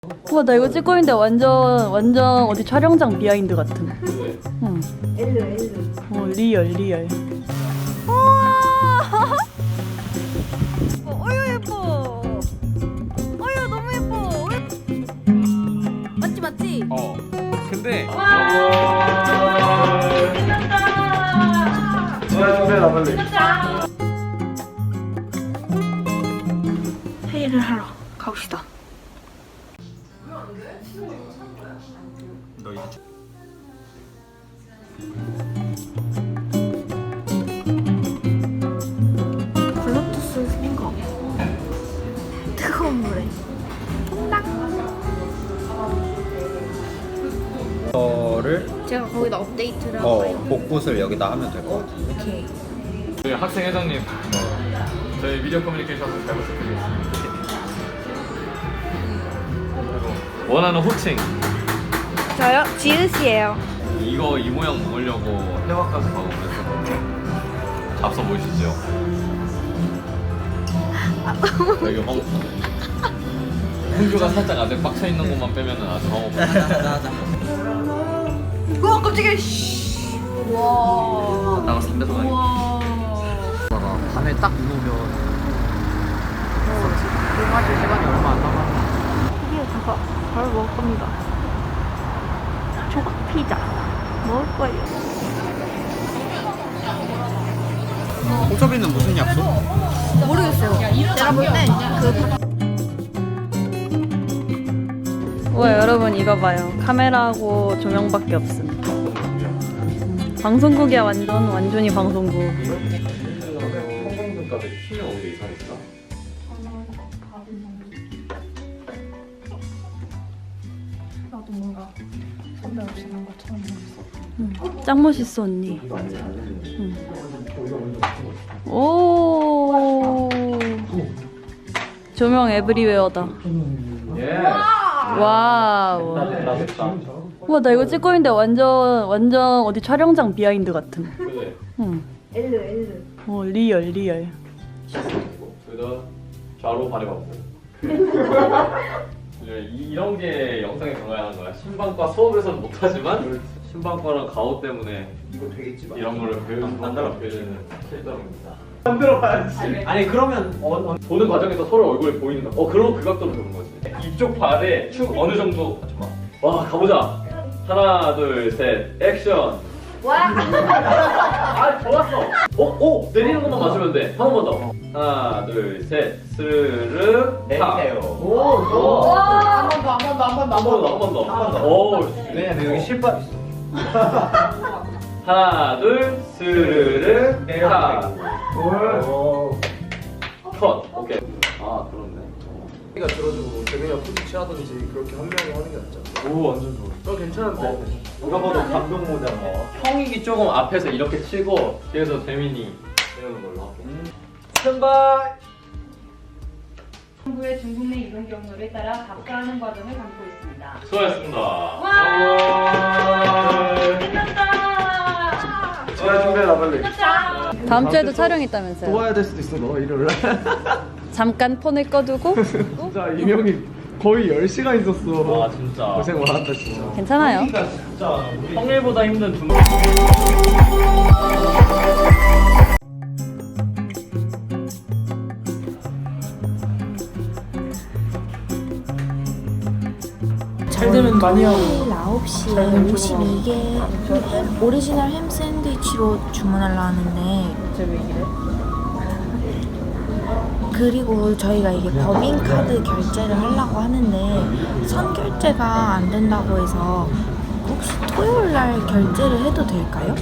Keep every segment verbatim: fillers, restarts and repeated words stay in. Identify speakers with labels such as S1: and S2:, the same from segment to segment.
S1: 우와, 나 이거 찍고 있는데 완전 완전 어디 촬영장 비하인드 같은. 응.
S2: 엘르 엘르.
S1: 어, 리얼 리얼.
S2: 우와. 어유 예뻐. 어유 너무 예뻐. 맞지 맞지?
S3: 어. 근데
S2: 회의를 하러 가봅시다.
S3: 너 이제
S2: 블루투스 생거. 뜨거운 물에.
S3: 거를
S2: 제가 거기다 업데이트를 하고
S3: 어
S2: 가요.
S3: 복붙을 여기다 하면 될 것 같아.
S2: 오케이.
S4: 저희 학생 회장님, 저희 미디어 커뮤니케이션 잘 부탁드리겠습니다. 그리고 원하는 호칭,
S2: 저요? 지읒이에요.
S4: 이거 이 모양 먹으려고 해외까지 가고 그랬었는데 잡서 보이시죠? 여기 황 흥주가 살짝 아직 빡쳐 있는 곳만 빼면은 아주 황홀.
S2: 우와 깜짝이야. 와.
S4: 나가 삼 배속 아니야?
S2: 와.
S3: 밤에 딱 누우면 끝마칠 시간이 얼마 안 남았어.
S2: 드디어 가서 바로 먹을 겁니다. 초밥 피자 먹을 거예요.
S3: 호섭이는 무슨 약속?
S2: 모르겠어요. 내가 볼 때 그
S1: 우와, 여러분 이거 봐요. 카메라하고 조명밖에 없음. 음, 방송국이야. 완전 완전히 방송국.
S4: 성공등까지 키면 오히려 이상했다.
S1: 응. 짱 멋있어 언니. 응. 오. 조명 에브리웨어다.
S4: 예.
S1: 와우. 우와, 나 이거 찍고 있는데 완전 완전 어디 촬영장 비하인드 같은.
S4: 그래.
S1: 응.
S2: 엘르 엘르.
S1: 어, 리얼 리얼.
S4: 그다음 좌로 발해봤고. 이런 게 영상에 들어가야 하는 거야. 신방과 수업에서는 못하지만 신방과랑 가오 때문에
S3: 이거 되겠지 마.
S4: 이런 거를 배우는 배우는 필터입니다.
S3: 만들어봐야지. 아니 그러면 어, 어.
S4: 보는 과정에서 서로 얼굴이 보이는 거. 어 그럼 그 각도로 보는 거지. 이쪽 발에 축 어느 정도. 잠깐만. 와 가보자. 하나 둘 셋 액션.
S2: 와.
S4: 아 좋았어. 어? 오 내리는 것만 맞추면 돼. 한 번만 더. 하나 둘 셋 스르르 타.
S3: 오, 좋아. 한번 더, 한 번 더, 한 번 더,
S4: 한 번 더, 한 번 더. 한 번 더. 오.
S3: 왜냐면 여기 실밥 있어.
S4: 하나 둘 스르르 타.
S3: 오.
S4: 컷. 오케이. 아 그렇네.
S5: 가 들어주고 재민이가 푸시 하든지 그렇게 한 명이 하는 게 낫잖아.
S4: 오 완전 좋아.
S5: 저 괜찮은데.
S4: 누가 봐도 감동 모자 뭐. 형이 조금 앞에서 이렇게 치고 뒤에서 재민이 이러는 걸로 하고. 스탠바이.
S6: 정부의 중국 내 이동 경로를 따라 답사하는 과정을 담고 있습니다.
S4: 수고하셨습니다.
S6: 와! 끝났다!
S5: 잘 준비해라 빨리.
S1: 다음 주에도 촬영 있다면서요?
S5: 또 와야 될 수도 있어 너 일요일 날.
S1: 잠깐 폰을 꺼두고.
S5: 진짜 이명이 거의 열 시간 있었어.
S4: 와 진짜.
S5: 고생 많았다 진짜.
S1: 괜찮아요.
S4: 진짜 평일보다 힘든 중.
S5: 잘 되면 많이 하고.
S2: 토요일 아홉 시에 오십이 개 오리지널 햄 샌드위치로 주문하려 하는데 그리고 저희가 이게 법인카드 결제를 하려고 하는데 선결제가 안 된다고 해서 혹시 토요일 날 결제를 해도 될까요?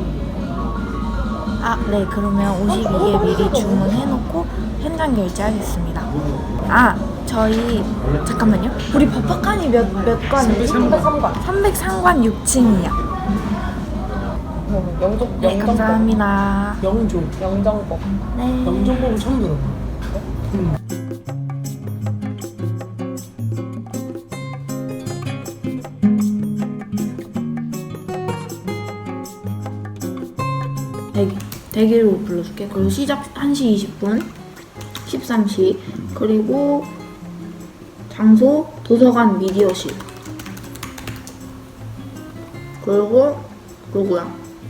S2: 아, 네. 그러면 오십이 개 미리 주문해놓고 현장 결제하겠습니다. 아, 저희 잠깐만요. 우리 법학관이 몇, 몇 관이지? 삼백삼 관. 삼백삼 관 육 층이요.
S7: 영종,
S2: 네, 감사합니다.
S7: 영종, 영정법.
S2: 네.
S7: 영정법은 처음 들어.
S2: 대기, 대기로 불러줄게. 그리고 시작 한 시 이십 분, 십삼 시, 그리고 장 장소 도서관 미디어실. 그리고 누구야?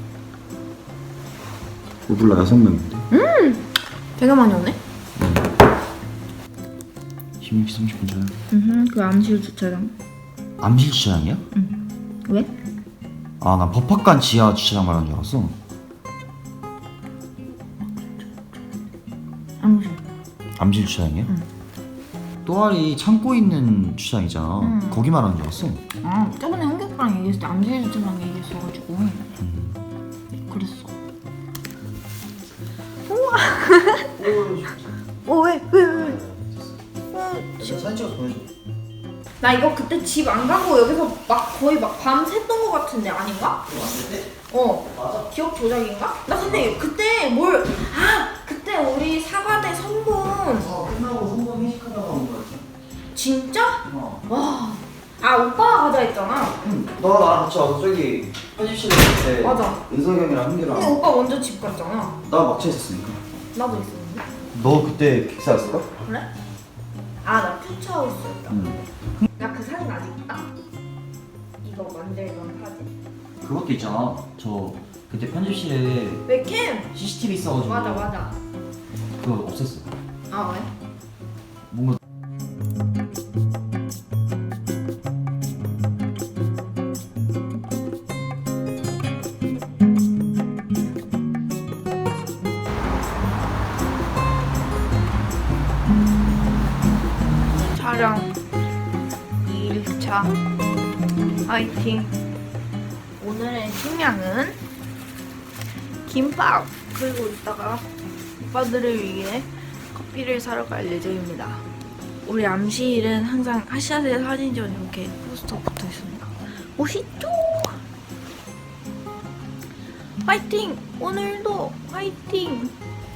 S8: 몰라 여섯 명인데.
S2: 되게 많이 오네.
S8: 십육 시 삼십 분 전에.
S2: 음, 그 암실 주차장.
S8: 암실 주차장이야?
S2: 왜?
S8: 아, 난 법학관 지하 주차장 말하는 줄 알았어.
S2: 암실.
S8: 암실 주차장이야? 또아리 창고 있는 주차장이잖아.
S2: 응.
S8: 거기 말하는 줄 알았어.
S2: 아, 저번에 한국랑 얘기했을 때 암실 주차장 얘기했어가지고 그랬어. 우와. 어, 왜? 왜? 왜? 어,
S8: 사진 찍어서 보내줘.
S2: 나 이거 그때 집 안 가고 여기서 막 거의 막 밤 샜던 거 같은데 아닌가? 어. 맞아. 기억 조작인가? 나 근데 그때 뭘, 아! 그때 우리 사과대 선본.
S8: 어, 끝나고 성공 회식하다가 온 거였어.
S2: 진짜?
S8: 어.
S2: 와. 아, 오빠가 가자 했잖아.
S8: 응. 너가 나랑 같이 와서 저기 편집실에 있을 때
S2: 맞아.
S8: 은석이 형이랑 한기랑
S2: 근데 오빠 먼저 집 갔잖아.
S8: 나 막차 있었으니까.
S2: 나도 있었는데.
S8: 너 그때 객사였을까?
S2: 그래? 아, 나 퓨처하우스였다.
S8: 응.
S2: 나 그 사진 아직 있다. 이거 만들던 사진.
S8: 그것도 있잖아. 저 그때 편집실에
S2: 웹캠!
S8: 씨씨티비 있어가지고
S2: 맞아, 맞아.
S8: 그거 없앴어.
S2: 아, 왜?
S8: 뭔가
S2: 촬영 이 일차 화이팅. 오늘의 식량은 김밥, 그리고 이따가 오빠들을 위해 커피를 사러 갈 예정입니다. 우리 암시일은 항상 하샤의 사진전 이렇게 포스터 붙어 있습니다. 멋있죠? 화이팅! 오늘도 화이팅!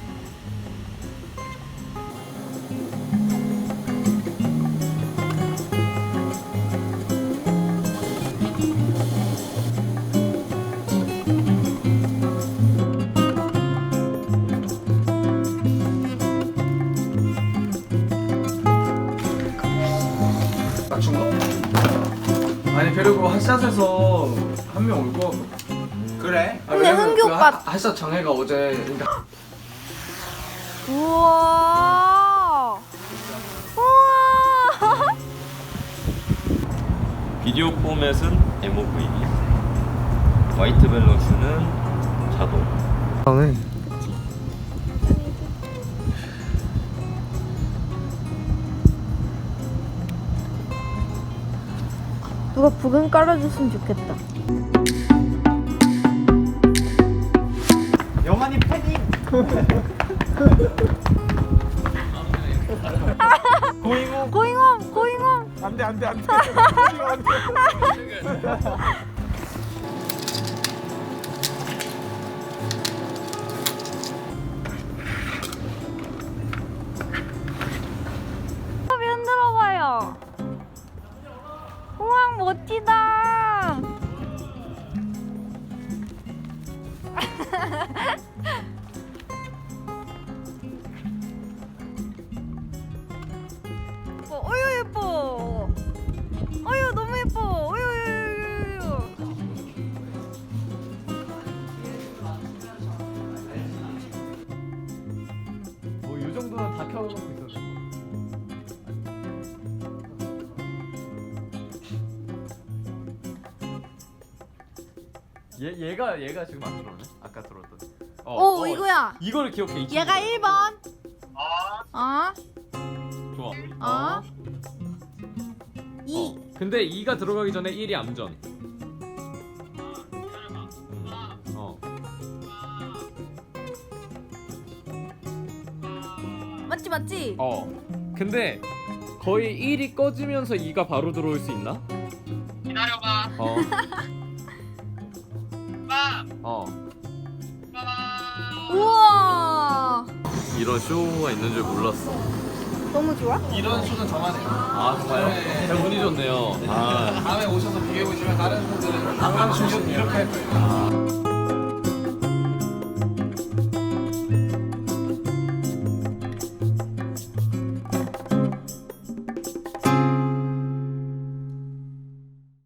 S5: 맞춘 거? 아니 그리고 핫샷에서 한 명 올 거. 그래? 아,
S2: 근데
S5: 왜냐면
S2: 흥기
S5: 그
S2: 오빠-
S5: 하- 핫샷 장애가 어제 그러니까
S2: 우와! 우와!
S4: 비디오 포맷은 엠오브이, 화이트 밸런스는 자동.
S2: 누가 부금 깔아줬으면 좋겠다.
S3: 영환이 팬이. 고잉호.
S2: 고잉홈! 고잉홈!
S3: 안돼 안돼 안돼.
S2: 흔들어봐요. 우와, 멋지다. 예뻐. 어유 예뻐. 어유 너무 예뻐. 어유 어유 어유.
S3: 뭐이 정도는 다 켜놓고 있었어. 얘 얘가 얘가 지금 안 들어오네. 아까 들어왔던.
S2: 오, 이거야.
S4: 이걸 기억해. 이
S2: 얘가 일 번. 어?
S4: 좋아.
S2: 어? 이.
S4: 근데 이가 들어가기 전에 일이 암전. 어.
S2: 맞지 맞지?
S4: 어. 근데 거의 일이 꺼지면서 이가 바로 들어올 수 있나? 기다려봐. 어. 어.
S2: 우와.
S4: 이런 쇼가 있는 줄 몰랐어.
S2: 너무 좋아?
S5: 이런 쇼는 저만 해요.
S4: 아 정말요? 운이 좋네요. 아.
S5: 다음에 오셔서 비교해 보시면 다른 분들은 항상 이렇게 할 거예요.